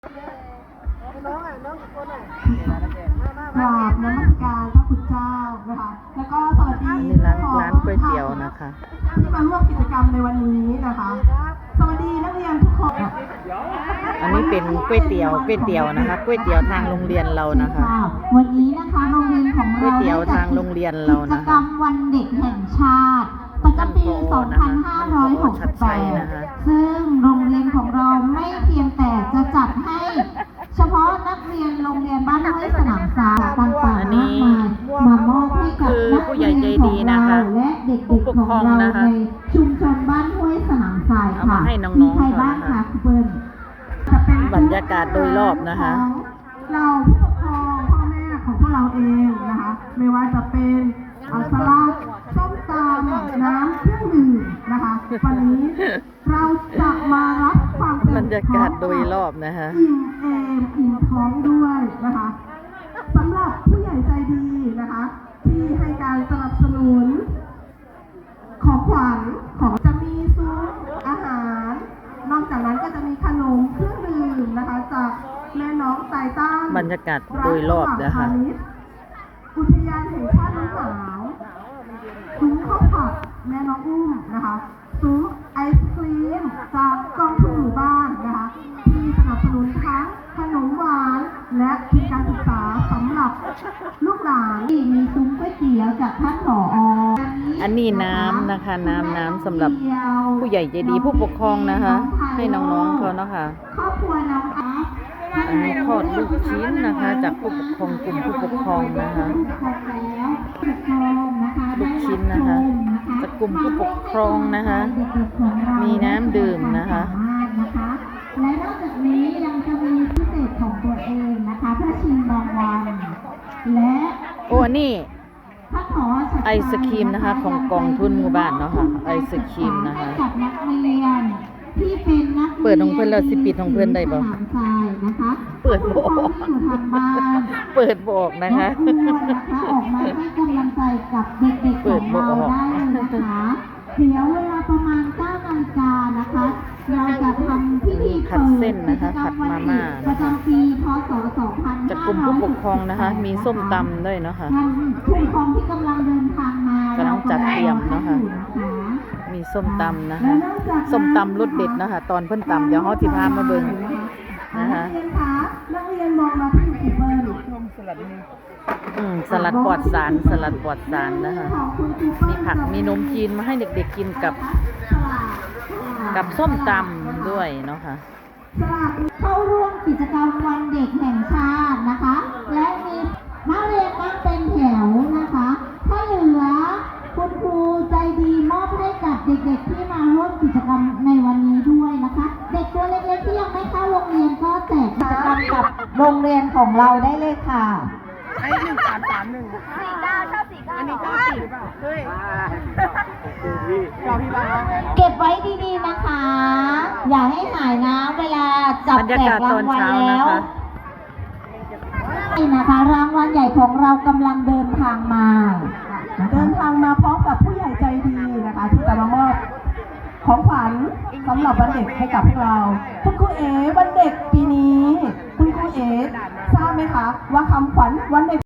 กราบนมัสการพระคุณเจ้านะคะแล้วก็สวัสดีนี่ร้านก๋วยเตี๋ยวนะคะที่มาร่วมกิจกรรมในวันนี้นะคะสวัสดีนักเรียนทุกคนอันนี้เป็นก๋วยเตี๋ยวนะคะก๋วยเตี๋ยวทางโรงเรียนเรานะคะวันนี้นะคะโรงเรียนของเราก๋วยเตี๋ยวทางโรงเรียนเรานะคะกิจกรรมวันเด็กแห่งชาติประจำปี 2568 ซึ่งโรงเรียนของเราไม่เพียงแต่จะจัดให้เฉพาะนักเรียนโรงเรียนบ้านห้วยสนามทรายต่างๆมากมายมามอบให้กับนักเรียนของเราและเด็กๆของเราในชุมชนบ้านห้วยสนามทรายค่ะมีใครบ้างคะคุณเปิ้ลบรรยากาศโดยรอบนะคะเราผู้ปกครองพ่อแม่ของพวกเราเองนะคะไม่ว่าจะเป็นสลัดส้มตำน้ำเครื่องดื่มนะคะวันนี้เราจะมารับความบรรยากาศโดยรอบนะคะอิ่มเอมอิ่มท้องด้วยนะคะสำหรับผู้ใหญ่ใจดีนะคะที่ให้การสนับสนุนของขวัญของจะมีซุ้มอาหารนอกจากนั้นก็จะมีขนมเครื่องดื่มนะคะจากแม่น้องไตต้านบรรยากาศโดยรอบนะคะอุทยานแห่งชาติน้ำหนาวซุ้มข้าวผัดแม่น้องอุ้มนะคะซุ้มไอศครีมจากกองทุนหมู่บ้านนะคะที่สนับสนุนทั้งขนมหวานและทุนการศึกษาสำหรับลูกหลานมีซุ้มก๋วยเตี๋ยวจากท่านผอ. อันนี้น้ำนะคะน้ำสำหรับผู้ใหญ่ใจดีผู้ปกครองนะคะให้น้องๆเขาเนาะค่ะครอบครัวน้องอาร์ตอันนี้ทอดลูกชิ้นนะคะจากผู้ปกครองกลุ่มผู้ปกครองนะคะลูกชิ้นนะคะจากกลุ่มผู้ปกครองนะคะมีน้ำดื่มนะคะและนอกจากนี้ยังจะมีพิเศษของตัวเองนะคะเพื่อชิมรางวัลและโอ้นี่ไอศครีมนะคะของกองทุนหมู่บ้านเนาะค่ะไอศครีมนะคะกับนักเรียนที่เป็นนักเปิดของเพื่อนเราสิปิดของเพื่อนได้บ่เปิดบอกเปิดบอกนะคะออกมาให้กำลังใจกับเด็กๆของเราได้เลยนะคะเดี๋ยวเวลาประมาณ 9 นาฬิกานะคะเราจะทำพิธีผัดเส้นนะคะผัดมาม่าประจำปีพศ 2568 จากกลุ่มผู้ปกครองนะคะมีส้มตำด้วยเนาะค่ะผู้ปกครองที่กำลังเดินทางมากำลังจัดเตรียมเนาะค่ะมีส้มตำนะคะส้มตำรสเด็ดนะคะตอนเพิ่นตำเดี๋ยวเขาที่พามาเบิ่งนะคะนักเรียนมองมาที่ยูทูบเบอร์สลัดปลอดสารนะคะมีผักมีนมจีนมาให้เด็กๆกินกับส้มตำด้วยเนาะค่ะเข้าร่วมกิจกรรมวันเด็กแห่งชาตินะคะและมีนักเรียนนั่งเป็นแถวนะคะถ้าเหลือคุณครูใจดีมอบให้กับเด็กๆที่มาร่วมกิจกรรมในวันนี้ด้วยนะคะเด็กตัวเล็กๆที่ยังไม่เข้าโรงเรียนก็แจกกิจกรรมกับโรงเรียนของเราได้เลยค่ะไอ้1331 49ชอบ49อันนี้ชอบ4หรือเปล่าเฮ้ยชอบพี่บ้างเก็บไว้ดีๆนะคะอย่าให้หายนะเวลาจับแจกรางวัลแล้วนี่นะคะรางวัลใหญ่ของเรากำลังเดินทางมาพร้อมกับผู้ใหญ่ใจดีนะคะที่จะมามอบของขวัญสำหรับวันเด็กให้กับพวกเราคุณครูเอ๋วันเด็กปีนี้คุณครูเอ๋ทราบไหมคะว่าคำขวัญวันเด็ก